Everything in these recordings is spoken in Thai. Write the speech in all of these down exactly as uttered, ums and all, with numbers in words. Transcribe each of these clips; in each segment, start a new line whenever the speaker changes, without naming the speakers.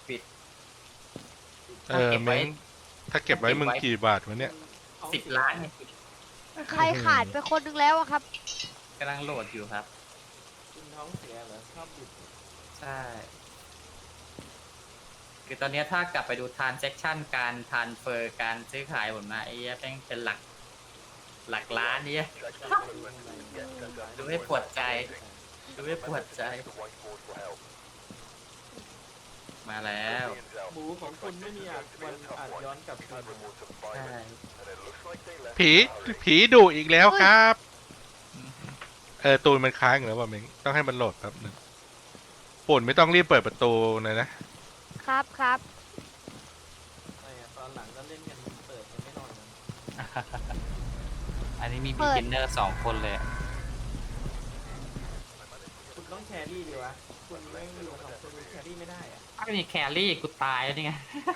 ปิด
เออเม้งถ้าเก็บไว้มึงกี่บาทวะเนี่ย
สิบล้าน
ใครขาดไปคนนึงแล้วอะครับ
กำลังโหลดอยู่ครับ
คุณท้องเสียเหรอชอบบิด
ใช่ คือตอนนี้ถ้ากลับไปดูทรานเซ็คชั่นการทรานเฟอร์การซื้อขายผมนะไอ้เหี้ยแม่งเป็นหลัก หลักล้านเนี่ยดูให้ปวดใจดูให้ปวดใจ มาแล้ว
หมูของคุณไม่มีอาจวันอาจย้อนกลับคืนมา
ใช่
ผีผีดุอีกแล้วครับ เออตูนมันค้างอยู่แล้วว่ะเม้งต้องให้มันโหลดแป๊บนึงปุ่นไม่ต้องรีบเปิดประตูเลยนะครับ
ครับ
ไม่อะตอนหลังก็เล่นกันเปิดกันไม่นอนกัน
อันนี้มี
เปิ
บิ
ด
กินเนอร์สองคนเลย
คุณต้องแครี่ดีวะคุณไม่อยู่กับสองคนคุณแครี่ไม่ได้อะ
ถ้าไม่มีแครี่กูตายแล้วนี่ไง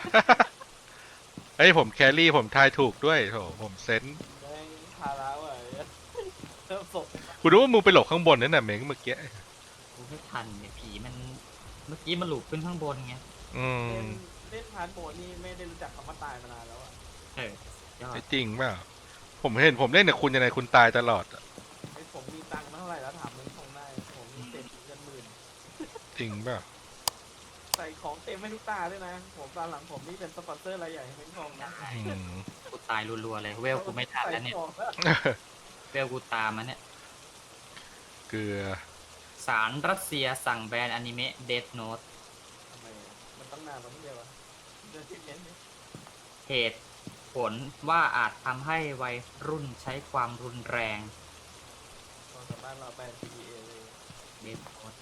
เฮ้ยผมแครี่ผมทายถูกด้วยโถผมเซนส์
แม่งพาราว่ะเริ่มศพ
กูรู้ว่ามึงไปหลบข้างบนนั่นน่ะเม้งเมื่อกี้
กูไม่ทันเนี่ยผีมัน เมื่อกี้มันหลุดขึ้นข้างบนไง
อืม
เล่นเล่นพาร์ทโหมดนี่ไม่ได้รู้จักคำว่าตายมานานแล้วอะ
เออยอด
ไม่จริงเปล่าผมเห็นผมเล่นกับคุณยังไงคุณตายตลอดอะ
ไอ้ผมมีตังค์เท่าไหร่แล้วถามมึงคงได้ผมมีเต็มเงินหมื่น
จริงเปล่า
ใส่ของเต็มให้ทุกตาด้วยนะผมตอนหลังผมนี่เป็นสปอนเซอร์รายใหญ่ให้เม้งทองนะ
อืม
กูตายรัวๆเลย เวลกูไม่ทันแล้วเนี่ย
ใส่ของอะ
เวลกูตามมันเนี่ย
เกลือ
ศาลรัสเซียสั่งแบนอนิเมะเดธโนต
ทำไมอะมันต้องนานแล้วไม่ใช่วะเดือนที่เน้นเนี่ย
เหตุผลว่าอาจทำให้วัยรุ่นใช้ความรุนแรง
ตอนกลับบ้านเราไป พี ดี เอ เลย
เดธโนต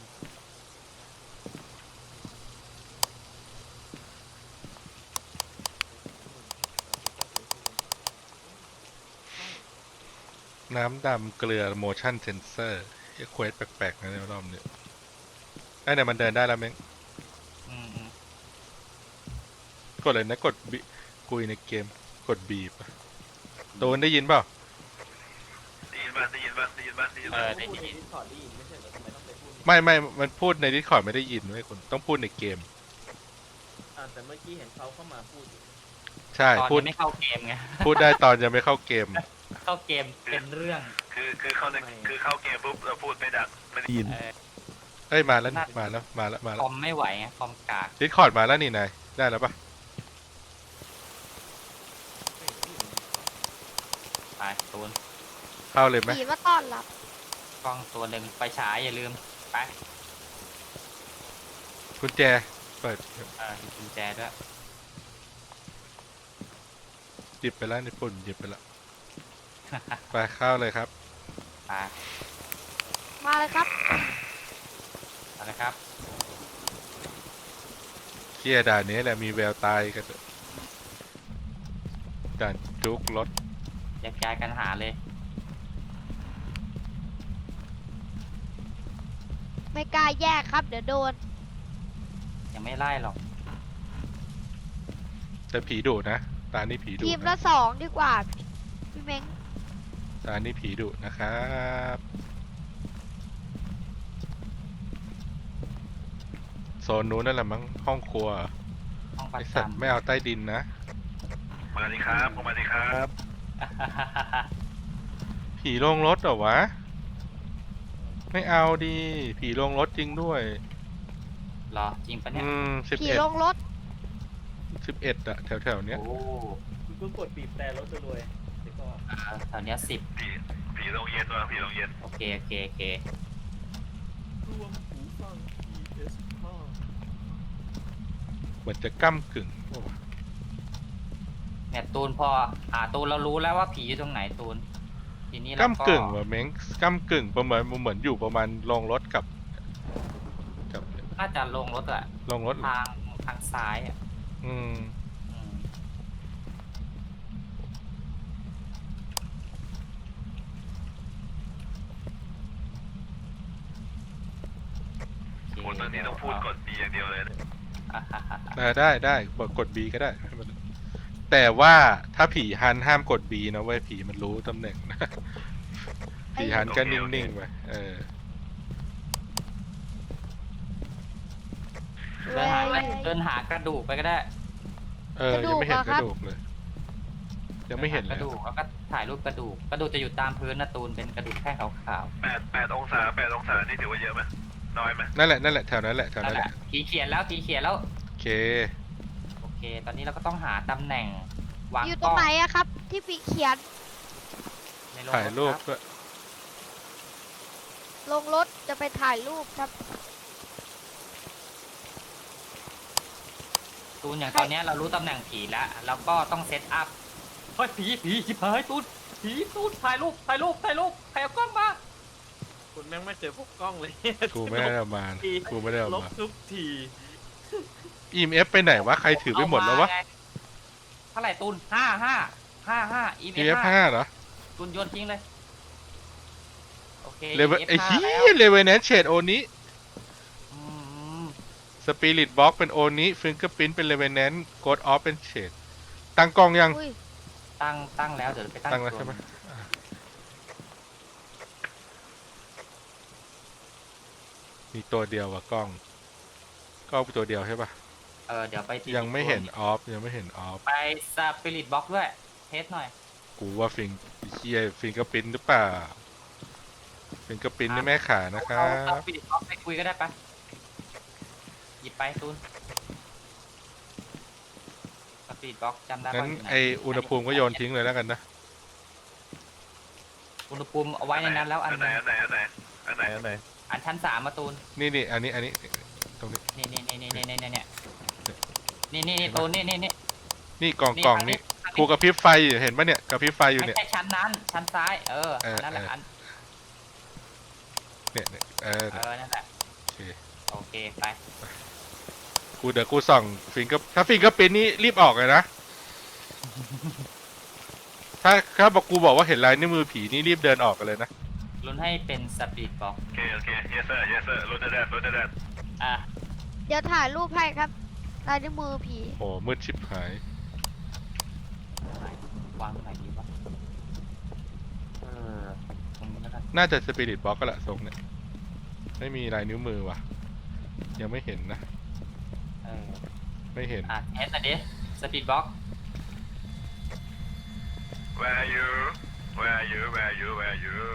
น้ำดำเกลือ motion sensor ไอ้เควสแปลกๆนะในรอบนี้ไอ้เนี่ยมันเดินได้แล้วเม้ง
อืมอืม
กดเลยนะกดบีคุยในเกมกดบีบโดนได้ยินเปล่า
ได้ยินป่ะได้ยินป่ะได้ยินป่ะได้ยิน
เอ
ป่ะ
อได้
พูดใน
ยิน
ดิสคอร์ดได้ยินไม่ใช่เหรอทำไมต้องไปพูดใน
ไม่ไม่มันพูดในดิสคอร์ดไม่ได้ยินเว้ยคุณต้องพูดในเกม
อ่าแต่เมื่อกี้เห็นเขาเข้ามาพูดอยู่
ใช่
ตอน
พูด
นี้ไม่เข้าเกมไง
พูดได้ตอนยังไม่เข้าเกม
เข้าเกมเป็นเรื่อง
คือคือเข้าในคือเข้าเกมปุ๊บเราพูดไม่ดังไม่ได้ยิน
เออ
เอ้ยมาแล้วนี่มาแล้วมาแล้วมา
ค
แล้ว
อมไม่ไหวไงคอมกาก
ดิสคอร์ดมาแล้วนี่นายได้แล้วปะ
ไปตูน
เข้าเลยไหม
ผีมาต้อนรับ
กล้องตัวหนึ่งไฟฉายอย่าลืม ไป
กุญแจเปิด
เออมีกุญแจด้วย
หยิบไปแล้วในปุ่นหยิบไปแล้วไปเข้าเลยครับ
ไป
มาเลยครับ
เอาละครับ
เกียด่านนี้แหละมีแววตายกันเถอะด่านจุกรถ
แยกย้ายกันหาเลย
ไม่กล้าแยกครับ เดี๋ยวโดน
ยังไม่ไล่หรอก
แต่ผีดุนะตานี้ผีดุ
ทีม
นะ
ละสองดีกว่า พี่เม้ง
ตานี้ผีดุนะครับโซนนู้นนั่นแหละมั้งห้องครัว
ห้องประ
ไอสัตว์
จำ
ไม่เอาใต้ดินนะ
มาดีครับมาดีครับ
ผีโรงรถเหรอวะ ไม่เอาดี ผีโรงรถจริงด้วย
เหรอ จริงปะเนี่ย
อืมสิบ
ผี
เอ็ด
ลงรถ
สิบเอ็ดอะแถวแถวๆเนี้ย
โอ้
คุณก็กดบีบแต่รถรวยๆเดี๋ยวก็
อ่าแถวเนี้ยสิบ
ผีผีโรงเย็นว่ะผีโรงเย็น
โอเค โอเค โอเค
รวมหูฟัง พี เอส ห้า
เหมือนจะก้ำกึ่ง
เนี่ยตูนพอ อ่าตูนเรารู้แล้วว่าผีอยู่ตรงไหนตูน ทีนี้เราก็
ก้ำกึ่งว่ะเม้งก้ำกึ่งประมาณเหมือนอยู่ประมาณโรงรถกับกับ
น่าจะลงรถอะ
โรงรถ
ทางทางซ้ายอะ
อืม
อืมโอเค
คนตอนนี้ต้องพูดกด B อย่างเดียวเลยนะ
อ่าฮะฮะฮะ
ได้ได้ได้บอกกด B ก็ได้ให้มันแต่ว่าถ้าผีฮันห้ามกด B นะเว้ยผีมันรู้ตำแหน่งนะ ผีฮันก็นิ่งๆไปเออ
เดินหา
เว้ย
เดินหากระดูกไปก็ได้
เออ
กระดู
ยัง
ก
ไม่เห็น
เหรอก ครับ
ระดูกเลย ยังไม่เห็น
ก
เลย
ระดูกแล้วก็ถ่ายรูปกระดูกกระดูกจะอยู่ตามพื้นนะตูนเป็นกระดูกแท่งขาว
แปดแปดองศาแปดองศานี่ถือว่าเยอะไหมน้อยไหม
นั่นแหละนั่นแหละแถวนั้นแหละแถ
ๆ
ว
นั่
นั้น น
แห
แห
ละ
ละ
ผีเขียนแล้วผีเขียนแล้ว
โอเค
โอเค ตอนนี้เราก็ต้องหาตำแหน่งวาง
อยู่
ก
ตร
ล้
ง
อง
ไหนอะครับ ที่ปีเขียน
ในโรง
ถ่ายรูป
คบ
ด้วย
ลงรถจะไปถ่ายรูปครับ
ตูนอย่างตอนเนี้ยเรารู้ตำแหน่งผีแล้วแล้วก็ต้องเซตอัพเฮ้ยผีผีชิบหายตูนผีตูนถ่ายรูปถ่ายรูปถ่ายรูปใครเอากล้องมา
คุณแม่งไม่เคยพกกล้องเลย
กูไม่ได้เอามา
ที
กูไม่ได้เอา
ลบ
มา
ทุกที
อีเอฟไปไหนวะ ใครถือไปหมดแล้ววะ
เอาาไงเท่าไหร่ตูนห้าห้าห้าห้าอี
อี
เอ
เอ
ฟ
ฟ
ห้า
ห้าเหรอ
ตูนโยนทิ้งเลยโอเค
เลเวล
อี
ไอ้
เอฟ
เหี้
ห้าแล้ว
ยเลเวลแนนเชดโอนี้
อืม
สปิริตบ็อกเป็นโอนี้ฟิงเกอร์พินเป็นเลเวลแนนโกดออฟเป็นเชดตั้งกล้องยัง
อุ้ย
ตั้งตั้งแล้วเดี๋ยวไปตั้ง
ตั้งแล้ว
ตัว
ใช่ไหมอ่ะมีตัวเดียวว่ะกล้อง กล้องตัวเดียวใช่ปะ
เออเดี๋ยวไปที่
ยังไม่เห็นออฟยังไม่เห็นออฟ
ไปสปิริตบ็อกด้วยเทสหน่อย
กูว่าฟิงเชียฟิงเกอร์พินหรือเปล่าฟิงเกอร์พินนี่แม่ขานะครั
เอาส
บ
ปิริตบ็อกไปคุยก็ได้ปะหยิบไปตูนสปิริตบ็อกจำได้
งั้
ปะ
น
ยู่ห
ไออุณหภูมิก็โยนทิ้งเลยแล้วกันนะ
อุณหภูมิเอาไว้ในนั้นแล้วอัน
อันไหนอันไหนอันไหนอันไหนอันไหน
อันชั้นสามมาตูน
นี่นี่อันนี้อันนี้ตรงนี้
นี่นี่นี่นี่นี่นี่นี่นี่นี่นี่ตูนนี่นี่นี่
นี่กล่องกล่องนี่
ทาง
กูกระพริบไฟอยู่เห็นปะเนี่ยกระพริบไฟอยู่
ไม่
เนี่ย
ใช่ชั้นนั้น ชั้นซ้าย เออ
เออ
นั่นแหละ
เอออั
อัน
เนี่ยเนี่ยเออ
เออนั่นแหละ
โอเค
โอเคไป
กูเดี๋ยวกูส่องฟิงก็ถ้าฟิงก็เป็นนี่รีบออกเลยนะ ถ้าถ้าบอกกูบอกว่าเห็นลายนิ้วมือผีนี่รีบเดินออกกันเลยนะ
ลุ้นให้เป็นสปิริตบ็อก
โอเคโอเค yes sir yes sir รถแดดรถแดด
อ่ะ
เดี๋ยวถ่ายรูปให้ครับลายนิ้วมือผี
โอ้มืดชิบหาย
วางตรงไหนดีวะเออตรงนี้แล้วกัน
น่าจะสปิริตบ็อกก็แหละทรงเนี่ยไม่มีลายนิ้วมือว่ะ ยังไม่เห็นนะ
เออ
ไม่เห็น
อ่ะเทสหน่อยดิสปิริตบ็อก
where are you where are you where are you where are you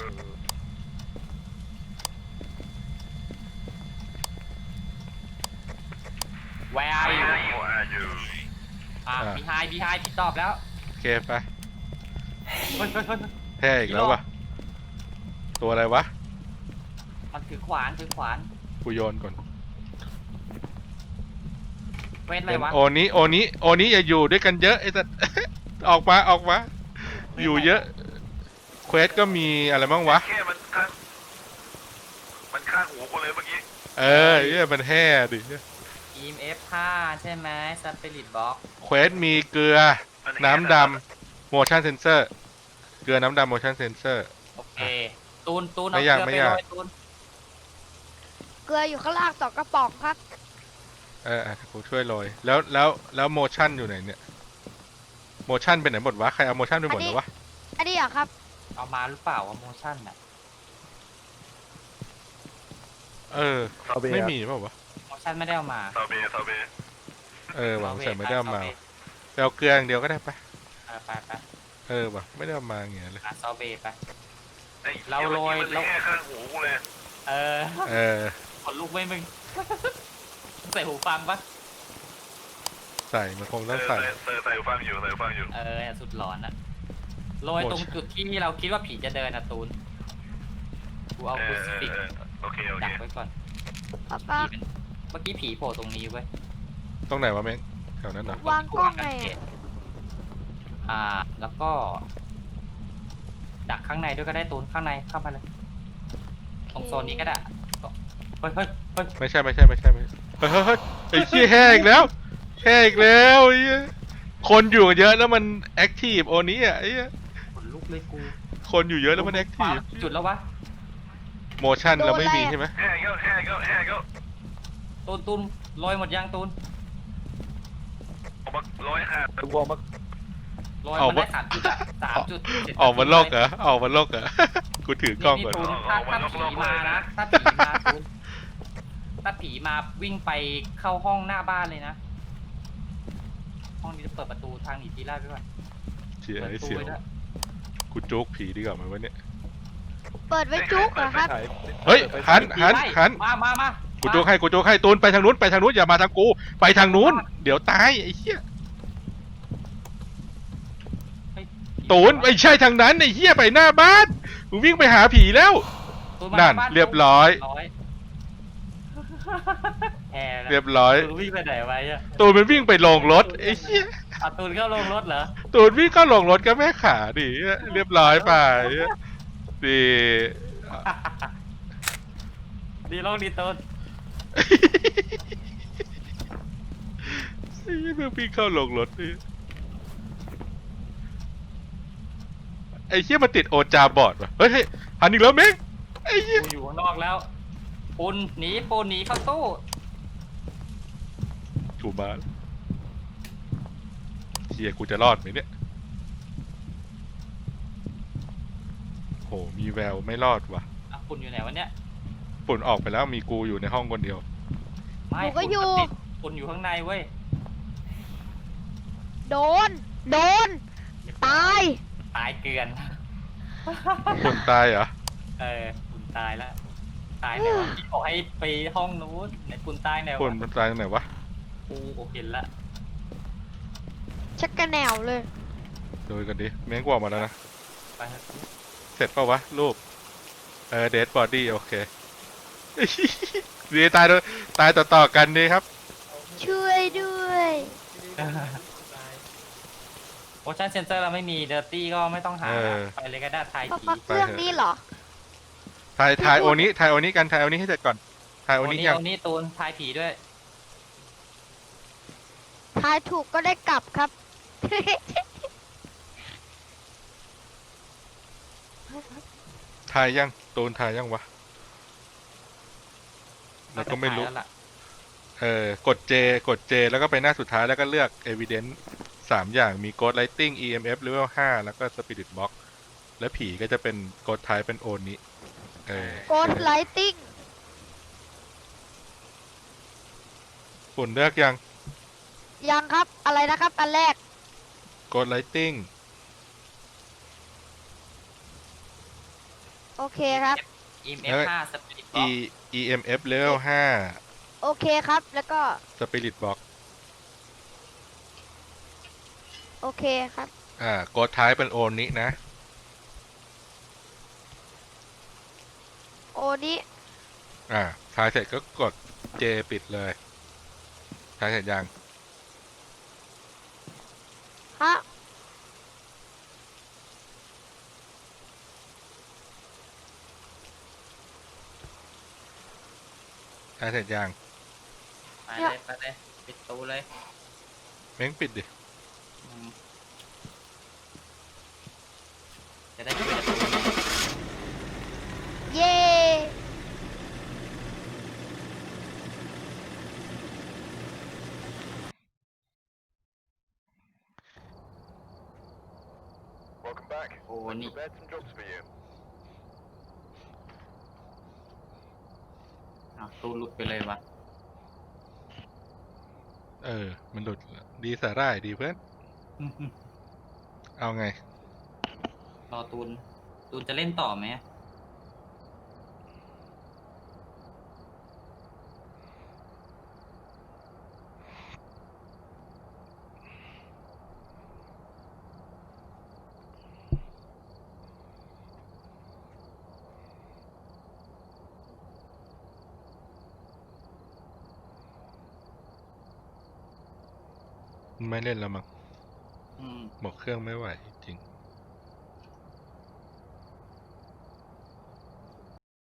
Where are you
where are you
อ่ะ
อ่ะ
behind behind พี่ตอบแล้ว
โอเคไป
เฮ้ยเฮ้ยเฮ้ยเฮ้ย
แพ้อีกแล้ววะตัวอะไรวะ
มันถือขวานถือขวาน
กูโยนก่อน
เวทอะไร
เป็น
วะ
โอนี้โอนี้โอนี้อย่าอยู่ด้วยกันเยอะไอ้สัส ออกมาออกมา อยู่เยอะเควสก็มีอะไรบ้างวะ
แค่มันข้างมันข้างหูกูเลยเมื่อกี้
เออเนี่ยมันแห่ดิ
อี เอ็ม เอฟ ห้าใช่ไหมสปิริตบ็อก
เควสมีเกลือ
มันแห้ง
น้ำดำ motion sensor เกลือน้ำดำ motion sensor
โอเค ตูนตูน
ไม่
เอา
ยาก
เกลือ
ไม่
ไป
ยาก
โรยตูน
เกลืออยู่ข้างล่างสองกระป๋องครับ
เอออ่ะกูช่วยโรยแล้วแล้วแล้ว motion อยู่ไหนเนี่ย motion เป็นไหนหมดวะ ใครเอา motion ไปหมดแล้ววะ
อันนี้เหรอครับ
เอามาหรือเปล่าว่าโมชั่นน่ะ
เออ ไม่มีเปล่าวะ
โมชั่นไม่ได้เอามา
ซาเบซาเบ
เออหวังใส่ไม่ได้เอามา
ซเบ
ไปเอาเกลืออย่างเดียวก็ได้ปะ
เออไปไป
เออว่ะไม่ได้เอามาอย่างเงี้ยเลย
อ่ะซอเบไป
ไอ้
เราโรย
มัน
เรา
แค่ข้างหูกูเลย
เออ
เออ
ขนลุกไหมมึง ใส่หูฟังปะ
ใส่มันคง
เอ
ต้อง
อ
ใส่
ใส่ใส่ใส่หูฟังอยู่ใส่หูฟังอยู่
เออสุดหลอนอะโรยตรงจุดที่เราคิดว่าผีจะเดินอะตูน กูเอา
เอ
คู
อ
ซิ
เออ
ฟิก
เออโอเคโอ
ดั
เค
กไว้ก่อน
ป๊า
ผี
ป๊า
เป็นเมื่อกี้ผีโผล่ตรงนี้เว้ย
ตรงไหนวะเม้งแถวนั้นเหรอ
วางกล้องไง
อ่า แล้วก็ ดักข้างในด้วยก็ได้ตูนข้างในเข้ามาเลย ตรงโซนนี้ก็ได้เฮ้ยเฮ้ยเฮ้ย
ไม่ใช่ไม่ใช่ไม่ใช่ไม่ใช่เฮ้ยเฮ้ยเฮ้ยไอ้เชี่ยแห้อีกแล้วแห้อีกแล้วไอ้เหี้ยคนอยู่เยอะแล้วมันแอคทีฟโอนี้อ่ะไอ้เหี้ย
ขนลุกเลยกู
คนอยู่เยอะแล้วมันแอคทีฟ
จุดแล้ววะ
โมชั่นเราไม่มีใช่ไหม
แห่ก็แห่ก็แห่ก็
ตูนตูนลอยหมดยังตูน
ออกมาร้อยห้า
วอร์ม
ลอยมันได้สามจุดอะสามจุดเจ็ด
ออกมาโลกเหรอออกมาโลกเหรอ กูถือกล้องก่อน
นี่ตูนถ้าถ้าผีมานะถ้าผีมาตูนถ้าผีมาวิ่งไปเข้าห้องหน้าบ้านเลยนะ ห้องนี้จะเปิดประตูทางหนีทีแรกด้วย
เสีย
เปิด
ไอ้
ตู้
เสียว
ไว้ด้วย
กูโจ๊กผีดีกว่าไหมวะเนี่ย
เปิดไว้จุกเหรอครับ
เฮ้ยหันหันหัน
มามามา
กูโจ๊กให้กูโจ๊กให้ตูนไปทางนู้นไปทางนู้นอย่ามาทางกูไปทางนู้นเดี๋ยวตายไอ้เหี้ย
เฮ้ย
ตูนไม่ใช่ทางนั้นไอ้เหี้ยไปหน้าบ้านมึงวิ่งไปหาผีแล้ว
ตูมา
นั่น
บ้า
เรียบร้อย
ร้อยแห่แล้ว
เรียบร้อย
ตูนวิ่งไปไหนไว้อะ
ตูนมันวิ่งไปลงรถไอ้เหี้ย
อ่ะตูนเข้าลงรถเหรอ
ตูนวิ่งก็ลงรถก็แม่ขาดิเรียบร้อยไปดี
ดีลงดีตูน
ไอ้เหี้ยมึงวิ่งเข้าลงรถดิไอ้เหี้ยมันติดโอจาบอดว่ะเฮ้ยเฮ้ยหันอีกแล้วเม้งไอ้เหี้ย
กูอยู่ข้างนอกแล้วปูนหนีปูนหนีเข้าตู้
ถูกมาเฮียกูจะรอดไหมเนี่ยโหมีแววไม่รอดว่ะ
อ่ะปูนอยู่ไหนวะเนี่ย
ฝุ่นออกไปแล้วมีกูอยู่ในห้องคนเดียว
ไม่
หนูก็อยู่
ติดปูนอยู่ข้างในเว้ย
โดน โดน ตาย
ตายเกลือน
ฝุ่นตายเหรอ
เออปูนตายแล้วตายไหนวะพี่บอกให้ไปห้องนู้นไหนปูนตายไหน
ฝุ่น
วะ
มันตายตรงไหนวะ
กูโอเห็นละ
ชักกระแนวเลย
ดูกันดิเม้งกว่ามาแล้วนะ
ไปเถอะ
เสร็จปะวะรูปเออเดดบอดี้โอเค ดีตายด้วยตายต่อๆกันดีครับ
ช่วยด้วย
โอชั่นเซนเซอร์เราไม่มีเดอร์ตี้ก็ไม่ต้องหา
เออ
ไปเลยก็ได้ทาย
ปะ
ผี
ปะเครื่องนี้เหรอ
ทายทายโอนี้ทายโอนี้กันทายโอนี้ให้เสร็จก่อนทายโอ
โอ
นี้
นี้
ยัง
โอนี้ตูนทายผีด้วย
ทายถูกก็ได้กลับครับ
ทายยังตูนทายยังวะแล้วก็ไม่รู้
น่าจะทายแล้วล่ะ
เออกด J กด J แล้วก็ไปหน้าสุดท้ายแล้วก็เลือก Evidence สามอย่างมี Ghost Lighting อี เอ็ม เอฟ Level ห้าแล้วก็ Spirit Box และผีก็จะเป็น Ghost Type เป็นโอนี้เออ
โกดไลติง
ฝุ่นเลือกยัง
ยังครับ อะไรนะครับ อันแรก
Ghost Lighting
โอเคครับ
อี เอ็ม เอฟ ห้าสปิริตบ็
E
อก
อี เอ็ม เอฟ Level ห้า
โอเคครับ แล้วก็
Spirit Box
โอเคครับ
อ่า Ghost Type เป็นโอนี้นะ
โอนี้
อ่าทายเสร็จก็กด J ปิดเลยทายเสร็จยัง
ฮะ
ทายเสร็จยัง
ไปเลยไปเลยปิดตูเลย
เม้งปิดดิ
อืมจะได้ช่วยตูน
เย้
โอ้นี่อ้าวตูนหลุดไปเลยวะ
เออ มันหลุดดีสาร่ายดีเพื่อน เอาไง
รอตูน ตูนจะเล่นต่อไหม
ไม่เล่นแล้วมั้ง
อืม
บอกเครื่องไม่ไหวจริง